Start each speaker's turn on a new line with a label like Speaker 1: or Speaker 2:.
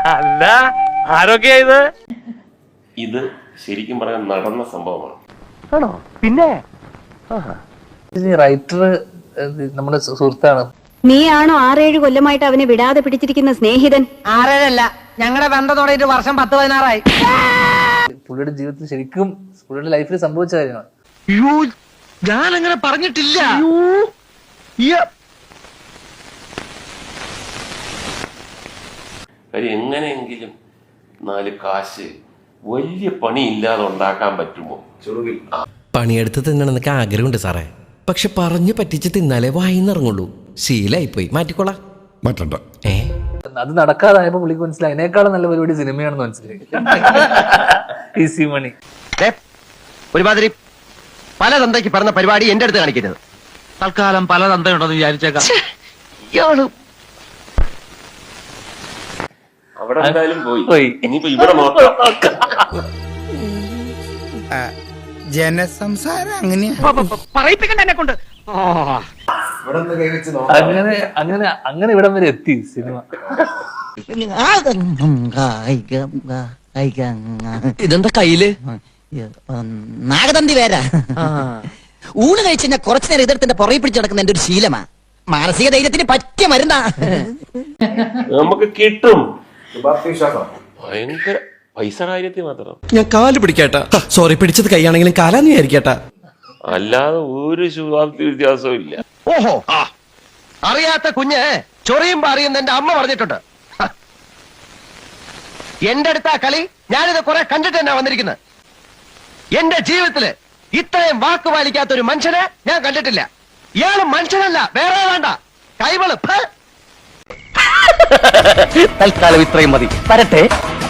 Speaker 1: അല്ല ആരൊക്കെയാ ഇത്?
Speaker 2: ഇത് ശരിക്കും പറയാൻ നടന്ന സംഭവമാണ്.
Speaker 1: ആണോ? പിന്നെ
Speaker 3: റൈറ്റർ നമ്മുടെ സുഹൃത്താണ്.
Speaker 4: നീയാണോ 6-7 കൊല്ലമായിട്ട് അവനെ വിടാതെ പിടിച്ചിരിക്കുന്ന സ്നേഹിതൻ?
Speaker 5: 6-7 ഞങ്ങളുടെ ബന്ധം തുടങ്ങിയിട്ട് വർഷം 10-16
Speaker 3: പുള്ളിയുടെ ജീവിതത്തിൽ ശരിക്കും പുള്ളിയുടെ ലൈഫിൽ സംഭവിച്ച കാര്യമാണ്.
Speaker 1: ഞാൻ അങ്ങനെ പറഞ്ഞിട്ടില്ല.
Speaker 2: കാര്യം എങ്ങനെയെങ്കിലും 4 കാശ് വലിയ പണി ഇല്ലാതെ ഉണ്ടാക്കാൻ പറ്റുമോ? ചെറുകിൽ
Speaker 6: പണിയെടുത്ത് തിന്നണമെന്നൊക്കെ ആഗ്രഹമുണ്ട് സാറേ. പക്ഷെ പറഞ്ഞു പറ്റിച്ച് തിന്നാലേ വായിന്നിറങ്ങുള്ളൂ. ശീലായിപ്പോയി. മാറ്റിക്കോളാം.
Speaker 7: മാറ്റണ്ട.
Speaker 3: അത് നടക്കാതായപ്പോ പുള്ളിക്ക് മനസ്സിലായി അതിനേക്കാളും നല്ല പരിപാടി സിനിമയാണെന്ന് മനസ്സിലായി. Easy money.
Speaker 8: ഒരുമാതിരി പല തന്തയ്ക്ക് പറഞ്ഞ പരിപാടി എന്റെ അടുത്ത് കാണിക്കരുത്.
Speaker 1: തൽക്കാലം പല തന്തയുണ്ടെന്ന് വിചാരിച്ചേക്കാം.
Speaker 2: അവിടെ എന്തായാലും പോയി. ഇനിയിപ്പോ ഇവിടെ നോക്കാം.
Speaker 7: ജനസംസാരം അങ്ങനെയാ.
Speaker 5: പറയിപ്പിക്കണ്ട എന്നെ കൊണ്ട്.
Speaker 3: അങ്ങനെ അങ്ങനെ അങ്ങനെ ഇവിടം വരെ എത്തി സിനിമ.
Speaker 6: ഇതെന്താ കയ്യില്?
Speaker 5: നാഗതന്തി വേരാ. ഊണ് കഴിച്ച് ഞാൻ കുറച്ചു നേരം ഇതെടുത്തിന്റെ പുറകെ പിടിച്ചു നടക്കുന്ന എന്റെ ഒരു ശീലമാ. മാനസിക ധൈര്യത്തിന് പറ്റിയ മരുന്നാ.
Speaker 2: നമുക്ക് കിട്ടും. ഭയങ്കര പൈസ കാര്യത്തിൽ മാത്രം.
Speaker 6: ഞാൻ കാല് പിടിക്കാട്ടാ. സോറി, പിടിച്ചത് കൈയാണെങ്കിലും കാലാന്ന് വിചാരിക്കട്ടാ.
Speaker 2: അല്ലാതെ ഒരു ശുഭാപ്തി വ്യത്യാസവും ഇല്ല.
Speaker 8: ഓഹോ, അറിയാത്ത കുഞ്ഞ് ചൊറിയുമ്പോ അറിയുന്ന എന്റെ അമ്മ പറഞ്ഞിട്ടുണ്ട്. എന്റെ അടുത്താ കളി. ഞാനിത് കുറെ കണ്ടിട്ട് തന്നെ വന്നിരിക്കുന്നത്. എന്റെ ജീവിതത്തില് ഇത്രയും വാക്ക് പാലിക്കാത്ത ഒരു മനുഷ്യനെ ഞാൻ കണ്ടിട്ടില്ല. ഇയാള് മനുഷ്യനല്ല, വേറെ വേണ്ട. കൈവള്.
Speaker 5: തൽക്കാലം ഇത്രയും മതി. വരട്ടെ.